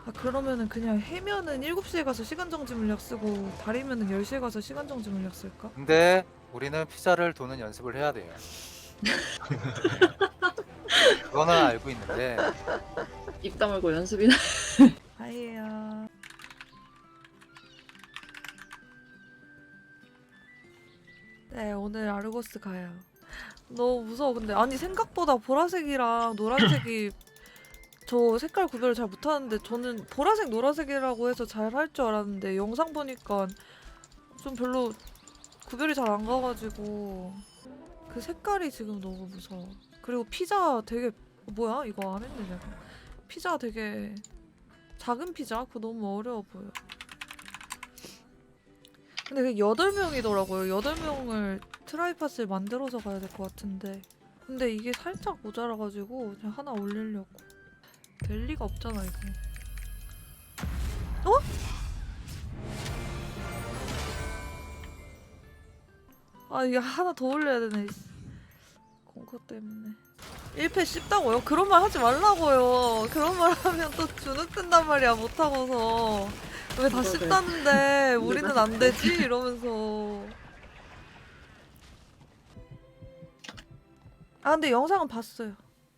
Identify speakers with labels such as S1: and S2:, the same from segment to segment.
S1: 아 그러면은 그냥 해면은 7시에 가서 시간 정지 물약 쓰고 다리면은 10시에 가서 시간 정지 물약 쓸까?
S2: 근데 우리는 피자를 도는 연습을 해야 돼요. 그거는 알고 있는데
S3: 입 다물고 연습이나.
S1: 아이야. 네 오늘 아르고스 가요. 너무 무서워. 근데 아니 생각보다 보라색이랑 노란색이 저 색깔 구별을 잘 못하는데 저는 보라색 노란색이라고 해서 잘 할 줄 알았는데 영상 보니까 좀 별로 구별이 잘 안 가가지고 그 색깔이 지금 너무 무서워. 그리고 피자 되게 뭐야 이거 안 했네 내가. 피자 되게 작은 피자? 그거 너무 어려워 보여. 근데 그 8명이더라고요. 8명을 트라이팟을 만들어서 가야 될 것 같은데 근데 이게 살짝 모자라가지고 그냥 하나 올리려고. 될 리가 없잖아 이거. 어? 아 이게 하나 더 올려야 되네. 공커 때문에 1패 씹다고요? 그런 말 하지 말라고요. 그런 말 하면 또 주눅든단 말이야 못하고서. 왜 다
S3: 그러게.
S1: 씹다는데 우리는 안 되지? 이러면서. 아 근데 영상은 봤어요.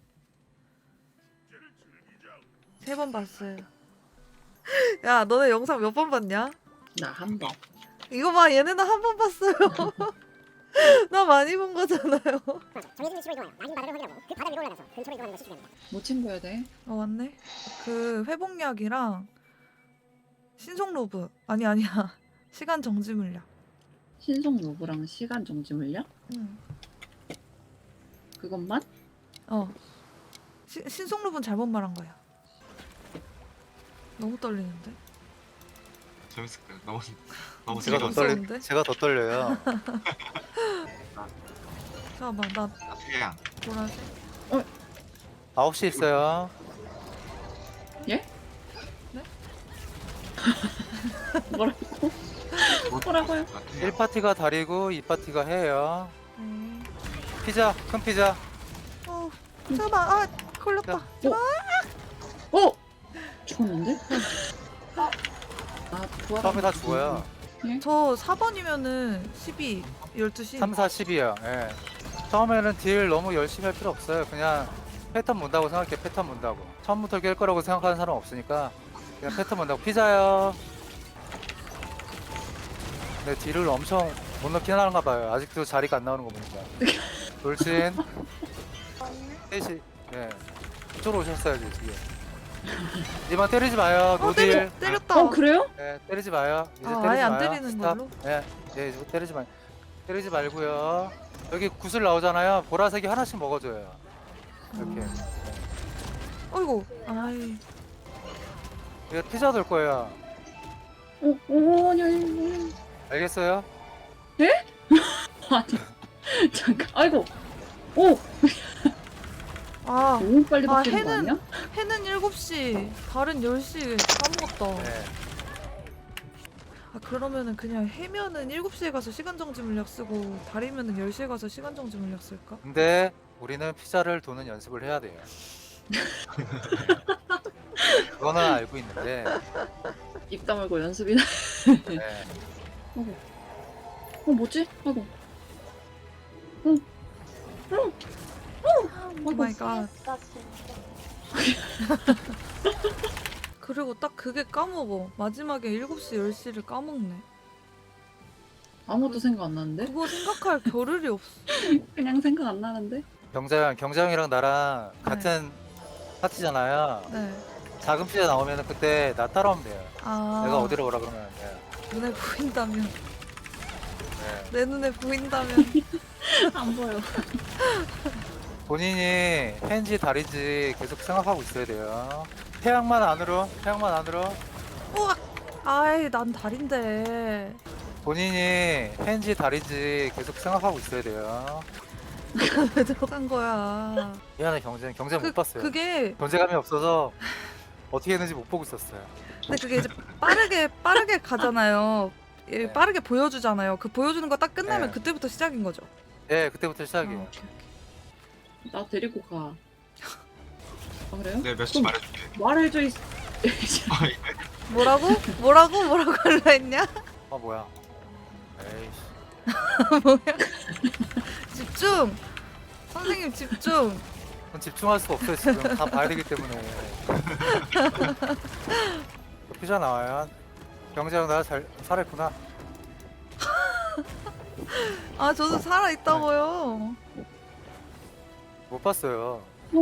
S1: 3번 봤어요. 야 너네 영상 몇 번 봤냐?
S3: 나 한 번.
S1: 이거 봐 얘네는 한 번 봤어요. 나 많이 본 거잖아요.
S4: 정해진 위치로 이동하여 낙인 바닥을 확인하고 그 바닥 위로 올라가서 근처로 이동하는 것이 중요합니다.
S3: 뭐 챙겨야 돼?
S1: 어 맞네. 그 회복약이랑 신속 로브 아니야 시간 정지 물약.
S3: 신속 로브랑 시간 정지 물량?
S1: 응.
S3: 그것만?
S1: 어. 신속 로브는 잘못 말한 거야. 너무 떨리는데?
S5: 재밌을 거예요. 너무
S2: 제가 더
S1: 무서운데?
S2: 떨리 제가 더 떨려요.
S1: 잠깐만 나
S5: 태양.
S1: 보라색.
S2: 9시 있어요.
S3: 뭐라고? 뭐라고요?
S2: 1파티가 다리고 2파티가 해요.
S1: 네.
S2: 피자, 큰 피자.
S1: 잠깐만 아 걸렸다.
S3: 어? 죽었는데? 아 부활.
S2: 처음에 다 죽어요.
S1: 저 4번이면은 12, 12시.
S2: 3, 4, 10이요. 예. 처음에는 딜 너무 열심히 할 필요 없어요. 그냥 패턴 본다고 생각해. 패턴 본다고. 처음부터 깰 거라고 생각하는 사람 없으니까 그냥 패턴 본다고. 피자요. 근데 딜을 엄청 못 넣긴 하는가 봐요. 아직도 자리가 안 나오는 거 보니까. 돌진. 셋이. 예. 이쪽으로 오셨어야지 지금. 이만 때리지 마요. 노딜.
S1: 때렸다.
S3: 어 그래요?
S2: 예, 때리지 마요. 이제
S1: 아,
S2: 때리지
S1: 아예 안
S2: 마요.
S1: 때리는
S2: 스탑.
S1: 걸로?
S2: 예, 예, 이제 때리지 마. 때리지 말고요. 여기 구슬 나오잖아요. 보라색이 하나씩 먹어줘요. 이렇게.
S1: 어이구. 아이.
S2: 이거 피자 돌 거예요.
S3: 아니.
S2: 알겠어요?
S3: 아니. 잠깐. 아이고. 오.
S1: 아
S3: 너무 빨리
S1: 아,
S3: 바뀌는 거 아니야?
S1: 해는 7시, 달은 10시. 까먹었다.
S2: 네.
S1: 아 그러면은 그냥 해면은 7시에 가서 시간 정지 물약 쓰고 다리면은 10시에 가서 시간 정지 물약 쓸까?
S2: 근데 우리는 피자를 도는 연습을 해야 돼요. 그거는 알고 있는데.
S3: 입 다물고 연습이나.
S2: 네.
S3: 뭐지? 아이고.
S1: 오 마이 갓. 그리고 딱 그게 까먹어. 마지막에 7시, 10시를 까먹네.
S3: 아무것도 생각 안 나는데?
S1: 그거 생각할 겨를이 없어.
S3: 그냥 생각 안 나는데?
S2: 경장이랑 나랑 같은 파티잖아요.
S1: 네.
S2: 작은 피자 나오면 그때 나 따라오면 돼요.
S1: 아.
S2: 내가 어디로 오라 그러면 돼요.
S1: 눈에 보인다면.
S2: 네.
S1: 내 눈에 보인다면.
S3: 안 보여.
S2: 본인이 펜지 다리지 계속 생각하고 있어야 돼요. 태양만 안으로.
S1: 우와! 아이, 난 달인데.
S2: 본인이 펜지 다리지 계속 생각하고 있어야 돼요.
S1: 왜 들어간 거야?
S2: 미안해 경쟁 못 봤어요.
S1: 그게,
S2: 존재감이 없어서 어떻게 했는지 못 보고 있었어요.
S1: 근데 그게 이제 빠르게 가잖아요. 예,
S2: 네.
S1: 빠르게 보여주잖아요. 그 보여주는 거 딱 끝나면
S2: 네.
S1: 그때부터 시작인 거죠.
S2: 예, 그때부터
S1: 아,
S2: 시작이에요.
S1: 오케이, 오케이.
S3: 나 데리고 가. 아 그래요?
S5: 네, 몇시
S3: 좀
S5: 말해줄게.
S3: 말해줘.
S1: 뭐라고? 뭐라고 하려 했냐?
S2: 아 뭐야? 에이씨.
S1: 뭐야? 집중! 선생님 집중!
S2: 그건 집중할 수가 없어요 지금. 다 봐야 되기 때문에. 피자 나와요. 경재형 나 잘 살아있구나.
S1: 아 저도 살아있다고요.
S2: 못 봤어요.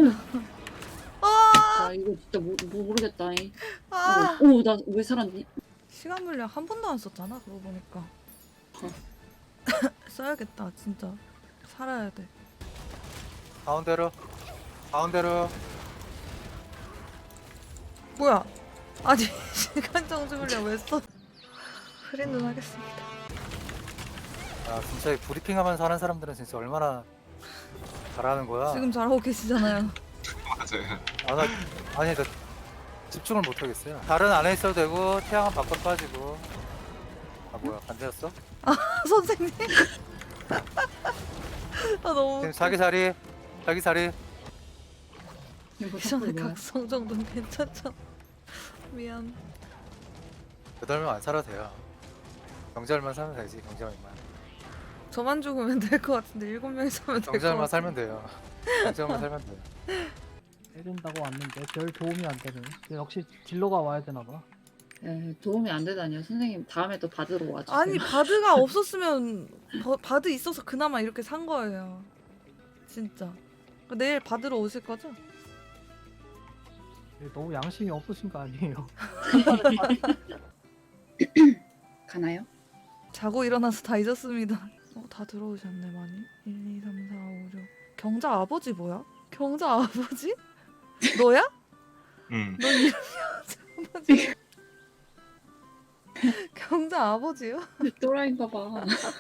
S3: 아 이거 진짜 모르겠다.
S1: 아
S3: 오나 왜 살았니?
S1: 시간 물량 한 번도 안 썼잖아 그러고 보니까. 써야겠다 진짜. 살아야 돼.
S2: 가운데로. 가운데로.
S1: 뭐야? 아니 시간 정지 물량 왜 써? 흐린 눈 하겠습니다.
S2: 아 진짜 이 브리핑하면서 하는 사람들은 진짜 얼마나 잘하는 거야.
S1: 지금 잘하고 계시잖아요.
S5: 맞아요.
S2: 아니 나 집중을 못 하겠어요. 다른 안에 있어도 되고 태양은 밖으로 빠지고. 아 뭐야 반대였어?
S1: 선생님. 아 너무
S2: 지금 자기 자리. 자기 자리.
S3: 이거
S1: 이전에
S3: 뭐야?
S1: 각성 정도는 괜찮죠? 미안.
S2: 8명 안 살아도 돼요. 경제얼만 살면 되지 경제얼만.
S1: 저만 죽으면 될 것 같은데 7명이 살면 될 것
S2: 경제얼만
S1: 같아.
S2: 살면 돼요. 경제얼만 살면 돼요.
S6: 때린다고 왔는데 별 도움이 안 되네. 역시 딜러가 와야 되나 봐.
S3: 도움이 안 되다니요. 선생님 다음에 또 받으러 와주세요.
S1: 아니 바드가 없었으면 바드 있어서 그나마 이렇게 산 거예요. 진짜. 내일 받으러 오실 거죠?
S6: 너무 양심이 없으신 거 아니에요?
S3: 가나요?
S1: 자고 일어나서 다 잊었습니다. 다 들어오셨네 많이. 1, 2, 3, 4, 5, 6. 경자 아버지 뭐야? 경자 아버지? 너야?
S5: 응.
S1: 너 이름이 아버지. 경자 아버지요?
S3: 또라이인가 봐.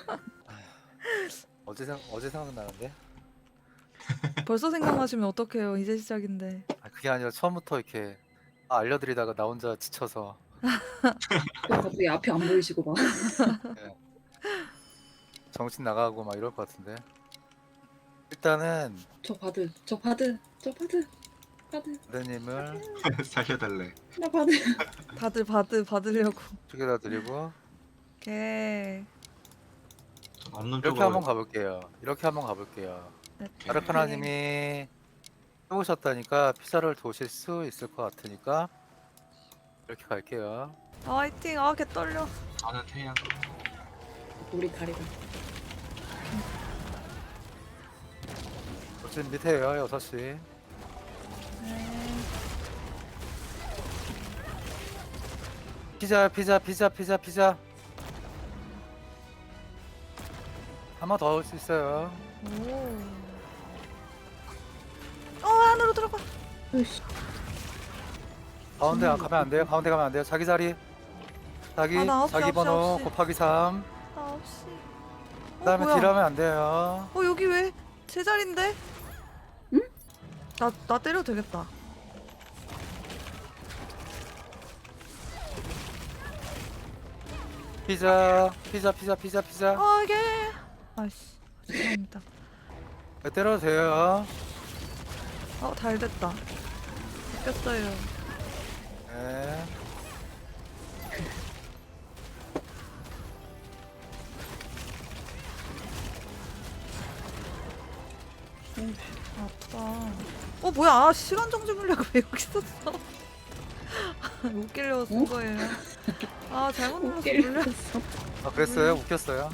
S2: 어제 생각나는데.
S1: 벌써 생각나시면 어떡해요. 이제 시작인데.
S2: 아, 그게 아니라 처음부터 이렇게 알려드리다가 나 혼자 지쳐서
S3: 갑자기 앞이 안 보이시고 막.
S2: 정신 나가고 막 이럴 것 같은데. 일단은
S3: 저 바드.
S2: 부대님을
S5: 살려달래.
S3: 나 바드.
S1: 다들 받으려고.
S2: 쪽에다 드리고
S1: 오케이.
S5: 전 없는
S2: 이렇게
S5: 쪽으로.
S2: 한번 가볼게요. 이렇게 한번 가볼게요.
S1: 네.
S2: 아르카나님이 해보셨다니까 피자를 도실 수 있을 것 같으니까 이렇게 갈게요.
S1: 아, 화이팅. 아, 개 떨려.
S5: 저는 태양.
S3: 우리 다리가.
S2: 지금 밑에요 6시.
S1: 네.
S2: 피자 한 번 더 올 수 있어요.
S1: 오. 안으로 들어가.
S3: 으이씨.
S2: 가운데 가면 안 돼요. 가운데 가면 안 돼요. 자기 자리. 자기
S1: 아, 나 아홉 시,
S2: 자기
S1: 아홉 시,
S2: 번호
S1: 아홉 시.
S2: 곱하기 3.
S1: 9시.
S2: 그다음에
S1: 뭐야?
S2: 딜하면 안 돼요.
S1: 여기 왜? 제자리인데?
S3: 응?
S1: 나 때려도 되겠다.
S2: 피자.
S1: 아, 이게. 아이씨. 죄송합니다.
S2: 네, 때려도 돼요.
S1: 잘 됐다. 바뀌었어요.
S2: 네.
S1: 아프다. 뭐야? 아, 시간 정지 물려고 왜 여기 있었어? 웃기려고 쓴 거예요. 아, 잘못 눌렀어. 물려.
S2: 아 그랬어요? 웃겼어요.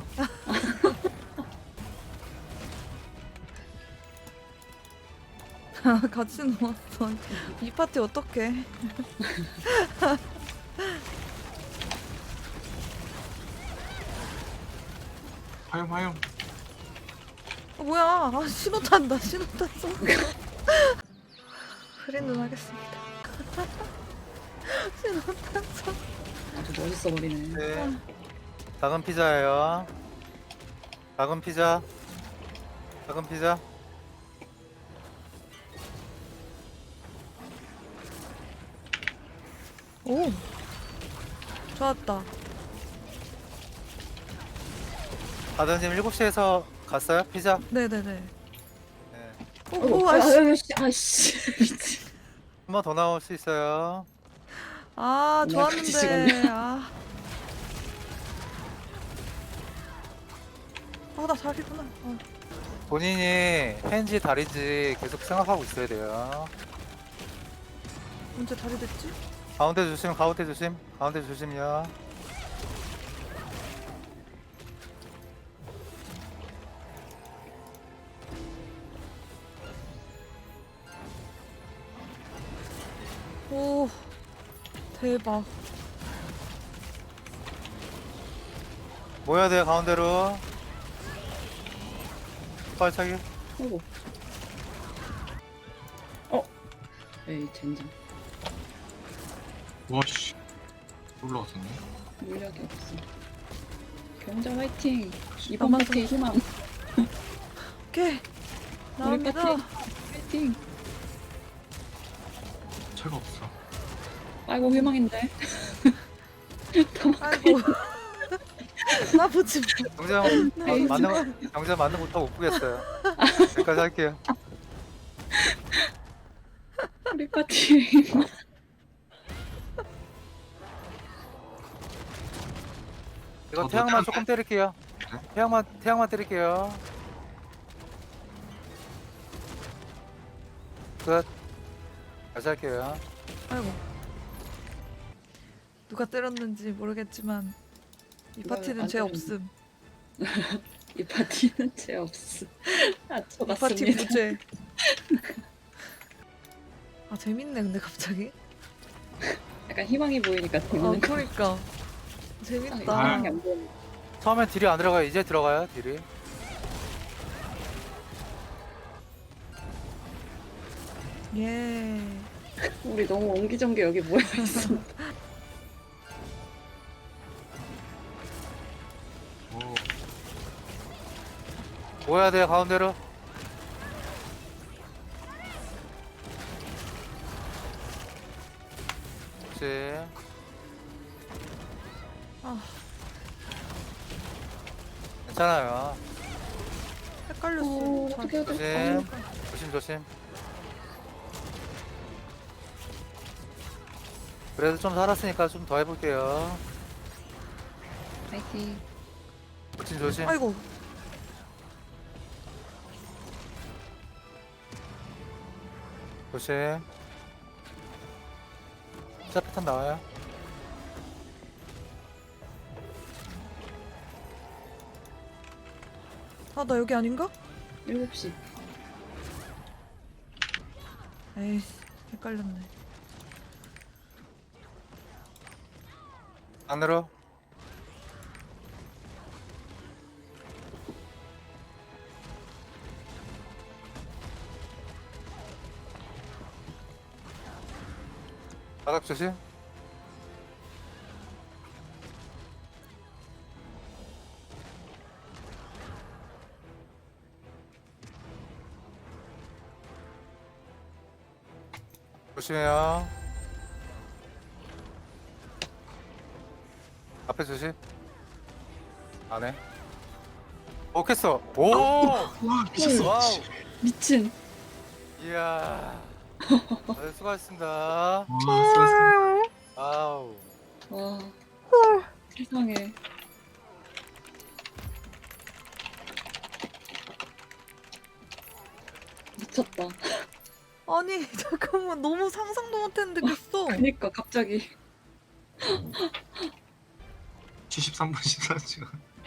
S1: 같이 누웠어. 이 파티 어떡해?
S5: 화용.
S1: 뭐야? 아, 신호 탄다. 신호 탔어. 흐린 눈 하겠습니다. 신호 탔어.
S3: 아주 멋있어 버리네.
S2: 네. 작은 피자예요. 작은 피자.
S1: 오. 좋았다.
S2: 아드님 7시에서 갔어요? 피자?
S1: 네네네.
S2: 네.
S1: 오, 아이씨.
S3: 아이씨 미치.
S2: 한 번 더 나올 수 있어요.
S1: 아
S3: 나 같이
S1: 좋았는데. 나 자리구나.
S2: 본인이 펜지 다리인지 계속 생각하고 있어야 돼요.
S1: 언제 자리 됐지?
S2: 가운데 조심, 가운데 조심, 가운데 조심이요.
S1: 오 대박.
S2: 모여야 돼요, 가운데로. 발차기.
S3: 어구. 에이 젠장.
S5: 와씨 올라왔었네.
S3: 물력이 없어. 경자 화이팅. 이번
S1: 남았어.
S3: 파티의 희망.
S1: 오케이
S3: 우리
S1: 나옵니다.
S3: 파티 화이팅.
S5: 차가 없어.
S3: 아이고 희망인데.
S1: 아이고 나 보지 마.
S2: 정재형
S3: 에이,
S2: 정재형 맞는 것도 못 보겠어요. 여기까지 할게요.
S3: 우리 파티의 희망.
S2: 이거
S5: 저도
S2: 태양만
S5: 태양
S2: 조금 때릴게요.
S5: 네?
S2: 태양만 때릴게요. 끝. 다시 할게요.
S1: 아이고 누가 때렸는지 모르겠지만 이
S3: 누가
S1: 파티는
S3: 안
S1: 죄
S3: 때렸는지.
S1: 없음.
S3: 이 파티는 죄 없음. 아
S1: 이 파티
S3: 쳐봤습니다.
S1: 무죄. 아 재밌네 근데 갑자기.
S3: 약간 희망이 보이니까 재밌는 거.
S1: 그러니까
S3: 아,
S1: 재밌다.
S3: 희망이 안 보이네.
S2: 처음엔 딜이 안 들어가요. 이제 들어가요, 딜이.
S1: 예.
S3: 우리 너무 옹기종기 여기 모여 있어.
S5: 오
S2: 모여야 돼요, 가운데로. 그렇지.
S1: 아
S2: 괜찮아요.
S1: 헷갈렸어.
S3: 어떻게 해야 돼?
S2: 조심. 조심. 그래도 좀 살았으니까 좀 더 해볼게요.
S3: 파이팅.
S2: 조심.
S1: 아이고
S2: 조심. 시작 패턴 나와요.
S1: 아 나 여기 아닌가?
S3: 7시.
S1: 에이 헷갈렸네.
S2: 안으로. 바닥 조심. 조심해요. 앞에 조심. 안에. 오겠어. 오.
S5: 와 미쳤어.
S2: 와우.
S3: 미친.
S2: 이야. 다들 수고하셨습니다.
S5: 와 수고하셨습니다.
S2: 아우.
S3: 와. 세상에. 미쳤다.
S1: 아니 잠깐만 너무 상상도 못했는데 됐어.
S3: 그니까 갑자기
S5: 73분 14분.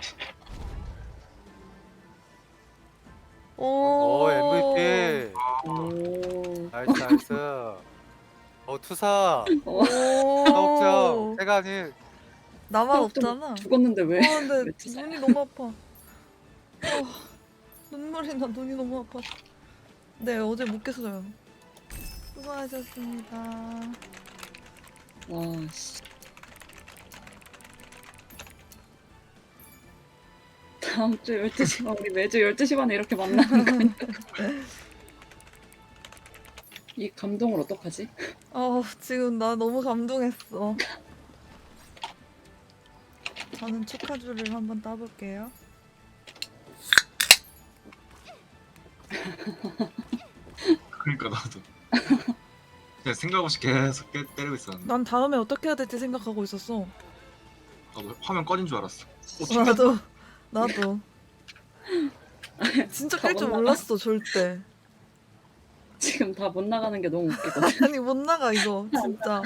S1: 오,
S2: 오 MVP.
S3: 오.
S2: 나이스. 투사.
S3: 어,
S2: 사옥정.
S1: 오.
S2: 해가 아닌.
S1: 나만 없잖아.
S3: 죽었는데 왜?
S1: 근데
S3: 왜 투사야?
S1: 눈이 너무 아파. 눈물이 나. 눈이 너무 아파. 네 어제 못 깼어요. 수고하셨습니다.
S3: 와 씨. 다음 주 12시 우리 매주 12시 반에 이렇게 만나는 거니까. 이 감동을 어떡하지?
S1: 지금 나 너무 감동했어. 저는 축하주를 한번 따볼게요.
S5: 그러니까 나도. 그냥 생각 없이 계속 때리고 있었는데.
S1: 난 다음에 어떻게 해야 될지 생각하고 있었어.
S5: 나도 화면 꺼진 줄 알았어.
S1: 나도 진짜 깰 줄 몰랐어 절대.
S3: 지금 다 못 나가는 게 너무 웃기거든.
S1: 아니 못 나가 이거 진짜.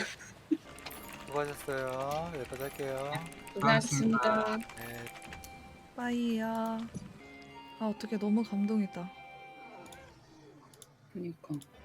S2: 수고하셨어요. 여기까지 할게요.
S3: 고생하셨습니다.
S2: 네.
S1: 빠이야. 아 어떻게 너무 감동이다.
S3: 그니까.